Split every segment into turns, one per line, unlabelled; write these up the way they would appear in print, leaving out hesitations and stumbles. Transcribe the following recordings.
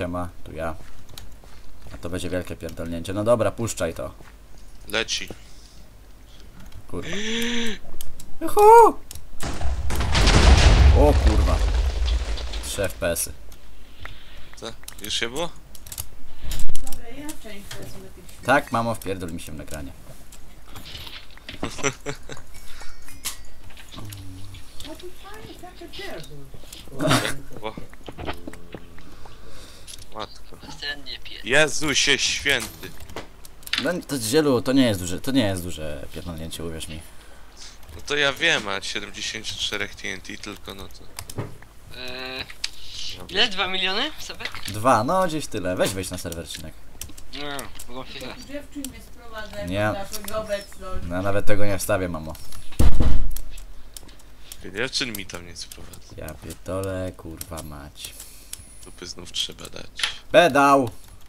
siema, tu ja. A to będzie wielkie pierdolnięcie. No dobra, puszczaj to.
Leci.
Kurwa. Juhu! O kurwa. 3 FPS-y.
Co? Już się było?
Dobra, ja część wezmę tych świat.
Tak, mamo, wpierdol mi się w nagranie.
No to fajnie, takie pierdol.
O. Matko.
Ten nie pije.
Jezusie święty.
No to zielu, to nie jest duże pierdolnięcie, uwierz mi.
No to ja wiem, a 74 TNT tylko, no to...
Ile? 2 miliony? Sebek?
2, no gdzieś tyle. Weź na serwerczynek.
No, mogą chwilę.
Dziewczyn mnie sprowadza
Nie.
jako naszą obecność.
No nawet tego nie wstawię, mamo.
Dziewczyn mi tam nie sprowadza.
Ja pierdolę, kurwa mać.
Dupy znów trzeba dać.
Pedał!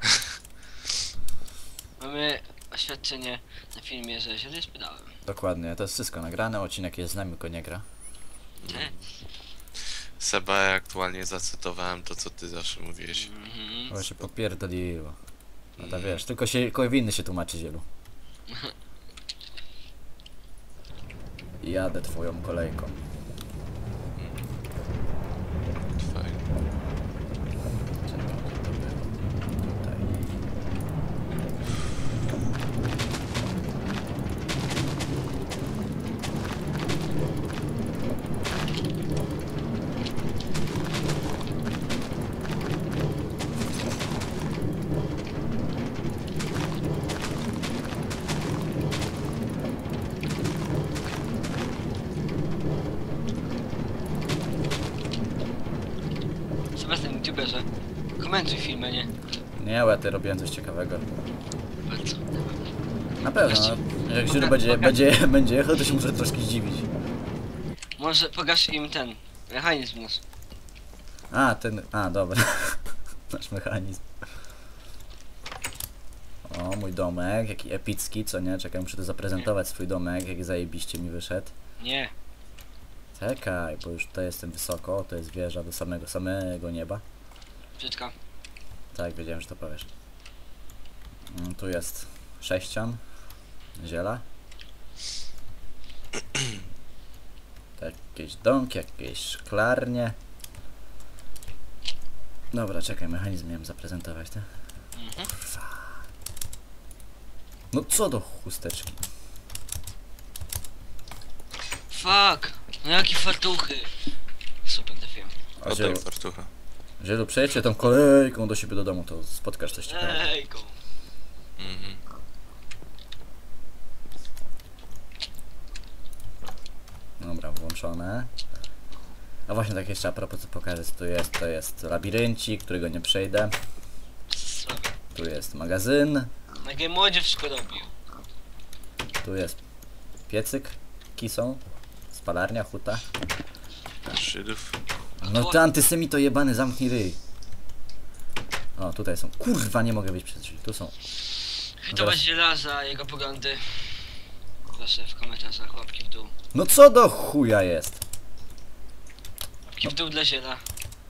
Mamy oświadczenie na filmie, że źle jest pedałem.
Dokładnie, to jest wszystko nagrane, odcinek jest z nami, tylko nie gra.
Nie?
Seba, ja aktualnie zacytowałem to, co ty zawsze mówiłeś.
Bo się popierdoliło. No to wiesz, tylko się, winny się tłumaczy zielu. Jadę twoją kolejką.
Fajnie.
Czekaj, gdzie to było? Tutaj.
Sebastian, youtuberze. Komentuj filmy, nie?
Nie, ja ty robiłem coś ciekawego.
Bardzo.
Na pewno, no, jak zielu będzie jechał, to się może troszkę zdziwić.
Może pokaż im ten mechanizm nasz.
A, dobra. Nasz mechanizm. O, mój domek, jaki epicki, co nie? Czekaj, muszę tu zaprezentować swój domek, jak zajebiście mi wyszedł.
Nie.
Czekaj, bo już tutaj jestem wysoko, to jest wieża do samego nieba.
Brzydka.
Tak, wiedziałem, że to powiesz. Tu jest sześcian, ziela. Jakieś domki, jakieś szklarnie. Dobra, czekaj, mechanizm miałem zaprezentować, tak? Kurwa. No co do chusteczki?
Fuck! No jakie fartuchy! Super trafiłem.
A
Oddaj fartucha.
Zielu, przejedźcie tą kolejką do siebie do domu, to spotkasz coś ciekawego.
Ejku.
Mhm.
Dobra, włączone. A właśnie tak jeszcze a propos co pokażę co tu jest, to jest labiryncik, którego nie przejdę.
Słabe.
Tu jest magazyn,
Na Game Modzie wszystko robił.
tu jest piecyk, kisą, spalarnia, huta.
Żydów.
No ty antysemito jebany, zamknij ryj. O, tutaj są. Kurwa, nie mogę wyjść przez drzwi, tu są.
Hitować żelaza, jego poglądy. Proszę w komentarzach, łapki w dół.
No co do chuja jest?
Łapki w dół dla ziela.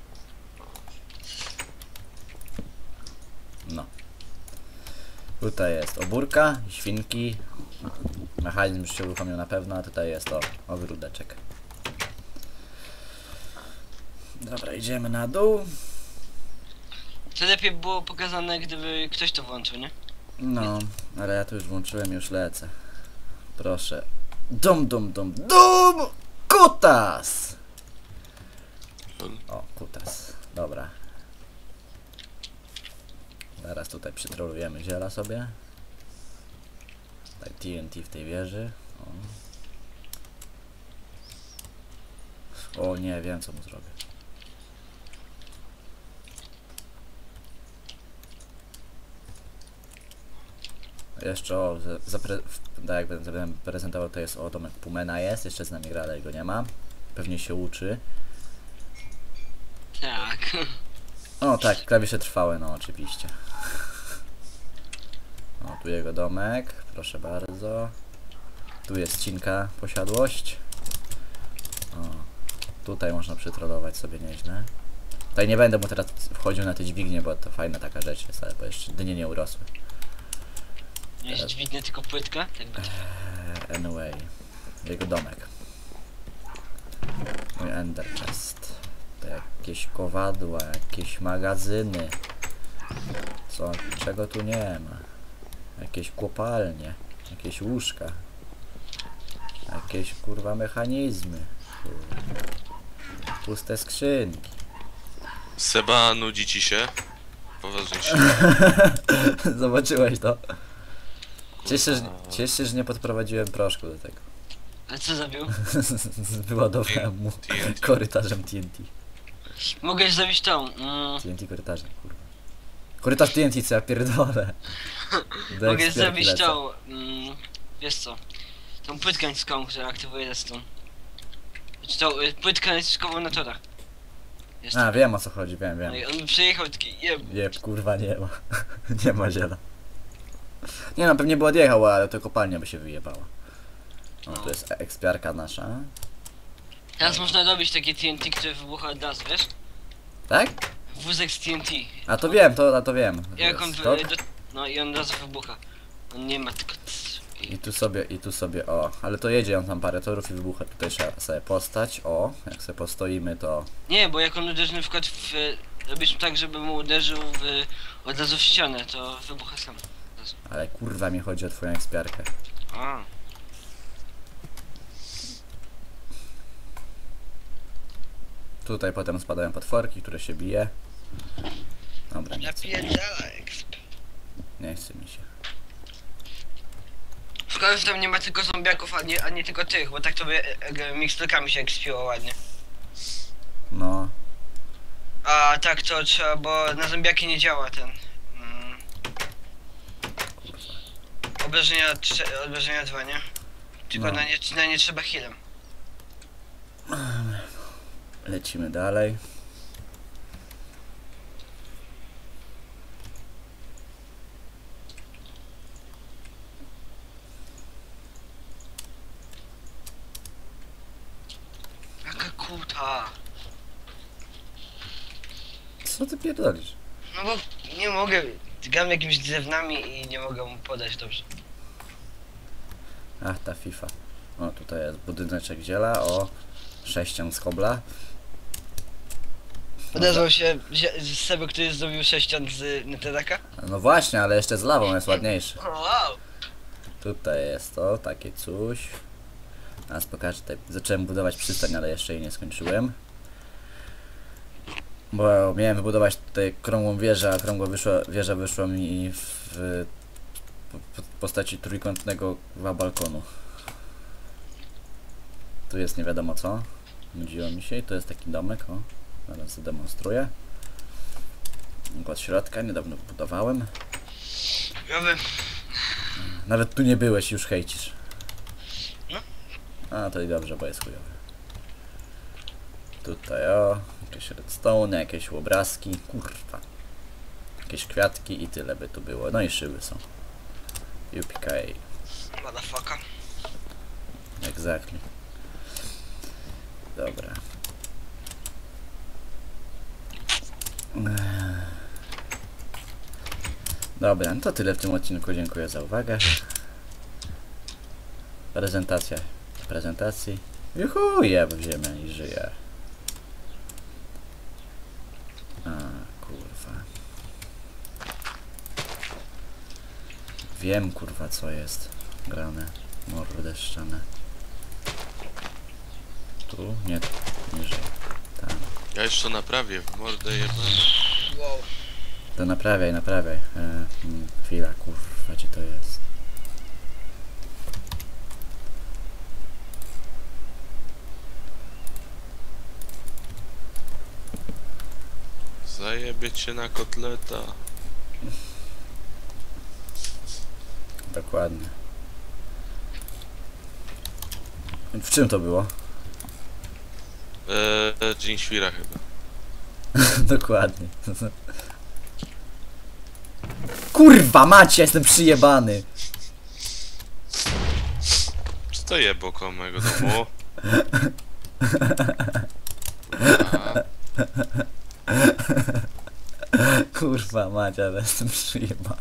No. Tutaj jest obórka, świnki. Mechanizm już się uruchomił na pewno, a tutaj jest ogródeczek. Dobra, idziemy na dół.
To lepiej było pokazane, gdyby ktoś to włączył, nie?
No, ale ja to już włączyłem, już lecę. Proszę. Dom! Kutas! O, kutas. Dobra. Zaraz tutaj przytrolujemy ziela sobie. Tutaj TNT w tej wieży. O nie, wiem co mu zrobię. Jeszcze tak jak będę prezentował, to jest domek Pumena jest, jeszcze z nami gra, ale go nie ma. Pewnie się uczy.
Tak.
O tak, klawisze trwałe, no oczywiście. O, tu jego domek, proszę bardzo. Tu jest cinka, posiadłość. O, tutaj można przytrolować sobie nieźle. Tutaj nie będę mu teraz wchodził na te dźwignie, bo to fajna taka rzecz jest, ale bo jeszcze dynie nie urosły.
Nie jest dźwignia, tylko płytka? Tak będzie.
Anyway, jego domek. Mój ender chest. To jakieś kowadła, jakieś magazyny. Co? Czego tu nie ma? Jakieś kopalnie, jakieś łóżka. Jakieś kurwa mechanizmy. Kurwa. Puste skrzynki.
Seba, nudzi ci się? Poważnie się.
Zobaczyłeś to? Cieszę się, że nie podprowadziłem proszku do tego.
A co zabił?
Wyładowałem mu
TNT.
korytarzem TNT.
Mogę zrobić tą.
TNT korytarzem, kurwa. Korytarz TNT, co ja pierdolę. Do
Mogę
ekspierki
zrobić
lecę.
tą. Wiesz co? Tą płytkę naciskową, która aktywuje redstone. Znaczy tą płytkę naciskową na torach. Jest.
A, wiem o co chodzi, wiem.
No i on przyjechał taki jeb.
Nie, kurwa nie ma. Nie ma ziela. Nie no, pewnie by odjechał, ale to kopalnia by się wyjebała. No, to jest ekspiarka nasza.
Teraz można robić takie TNT, które wybucha od razu, wiesz?
Tak?
Wózek z TNT.
A to wiem, to wiem.
Jak on
Stop.
no i on od razu wybucha. On nie ma tylko.
I tu sobie, o. Ale to jedzie on tam parę torów i wybucha. Tutaj trzeba sobie postać, o. Jak sobie postoimy, to...
Nie, bo jak on uderzy na przykład w. Robisz tak, żeby mu uderzył od razu w ścianę, to wybucha sam.
Ale kurwa mi chodzi o twoją ekspiarkę.
A.
Tutaj potem spadają potworki, które się bije. Dobra, nie chcę, nie chce mi się.
Szkoda, że tam nie ma tylko zombiaków, a nie tylko tych, bo tak to by miksturkami się ekspiło ładnie.
No,
A tak to trzeba, bo na zombiaki nie działa ten. Obrażenia 2, nie? Tylko
No.
na nie trzeba healem.
lecimy dalej.
Jaka kuta.
Co ty pierdolisz?
No bo nie mogę, gram jakimiś drewnami i nie mogę mu podać dobrze.
Ach, ta FIFA. O, tutaj jest budyneczek ziela, o. Sześcian z kobla.
Odezwał się z Seby, który zrobił 6 z Netherracka.
No właśnie, ale jeszcze z lawą jest ładniejszy.
Wow!
Tutaj jest to, takie coś. Teraz pokażę, tutaj zacząłem budować przystań, ale jeszcze jej nie skończyłem. Bo miałem wybudować tutaj krągłą wieżę, a okrągła wieża wyszła mi w postaci trójkątnego balkonu. Tu jest nie wiadomo co. Nudziło mi się i to jest taki domek, o. Zaraz zademonstruję. Od środka, niedawno budowałem. Nawet tu nie byłeś, już hejcisz.
No.
A, to i dobrze, bo jest chujowy. Tutaj o, jakieś redstone, jakieś obrazki, kurwa. Jakieś kwiatki i tyle by tu było. No i szyby są. UPK.
Motherfucker.
Exactly. Dobra. Dobra, no to tyle w tym odcinku. Dziękuję za uwagę. Prezentacja prezentacji. Juhu, jeb w ziemię i żyję. A, kurwa. Wiem, kurwa, co jest grane. Mordy ściane. Tu? Nie, tu. Niżej. Tam.
Ja jeszcze naprawię w mordę jebane.
Wow.
To naprawiaj. Chwila, kurwa, gdzie to jest?
Zajebie cię na kotleta.
Dokładnie. W czym to było?
Dzień świra chyba.
Dokładnie. Kurwa macie, jestem przyjebany.
Stoję koło mojego domu. Kurwa.
Kurwa mać, ale jestem przyjebany.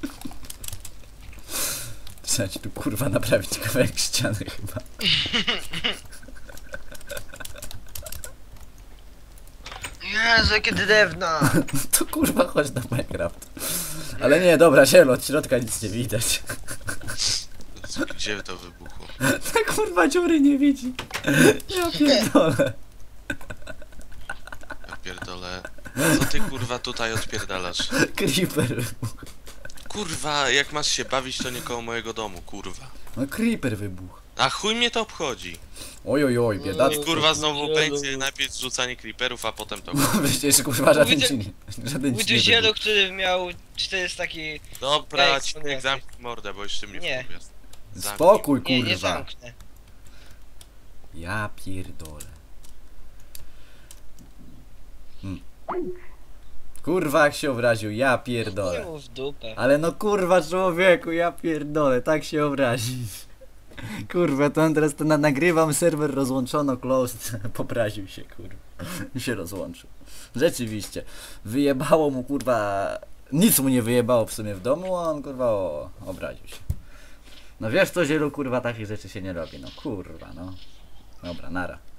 Trzeba ci tu kurwa naprawić kawałek ściany chyba.
Jezu, jakie drewna!
To kurwa chodź na Minecraft. Ale nie, dobra, zielo, od środka nic nie widać.
Gdzie to wybuchło?
Ta kurwa dziury nie widzi. Ja pierdolę.
Ja pierdolę. Co ty kurwa tutaj odpierdalasz?
Creeper.
Kurwa, jak masz się bawić, to nie koło mojego domu, kurwa.
No creeper wybuchł.
A chuj mnie to obchodzi.
Oj, oj, oj,
I
biedactwo.
kurwa znowu będzie najpierw rzucanie creeperów, a potem to.
No przecież kurwa żaden
Widzę-
ci nie... Żaden
Był
ci
tu
nie
zielo,
wybuchł.
który miał 400 taki...
Dobra,
Ej,
ci
nie.
zamknij mordę, bo jeszcze mnie
Nie.
wkurwiasz. Zamknij.
Spokój
Nie, nie
kurwa.
zamknę.
Ja pierdolę. Kurwa jak się obraził, ja
Nie
pierdolę.
mu w dupę.
Ale no kurwa człowieku, ja pierdolę, tak się obrazić. Kurwa, to on teraz to nagrywam, serwer rozłączono, closed, popraził się kurwa. I się rozłączył. Rzeczywiście, wyjebało mu kurwa, nic mu nie wyjebało w sumie w domu, a on kurwa obraził się. No wiesz co, Zielu, kurwa takich rzeczy się nie robi, no kurwa no. Dobra, nara.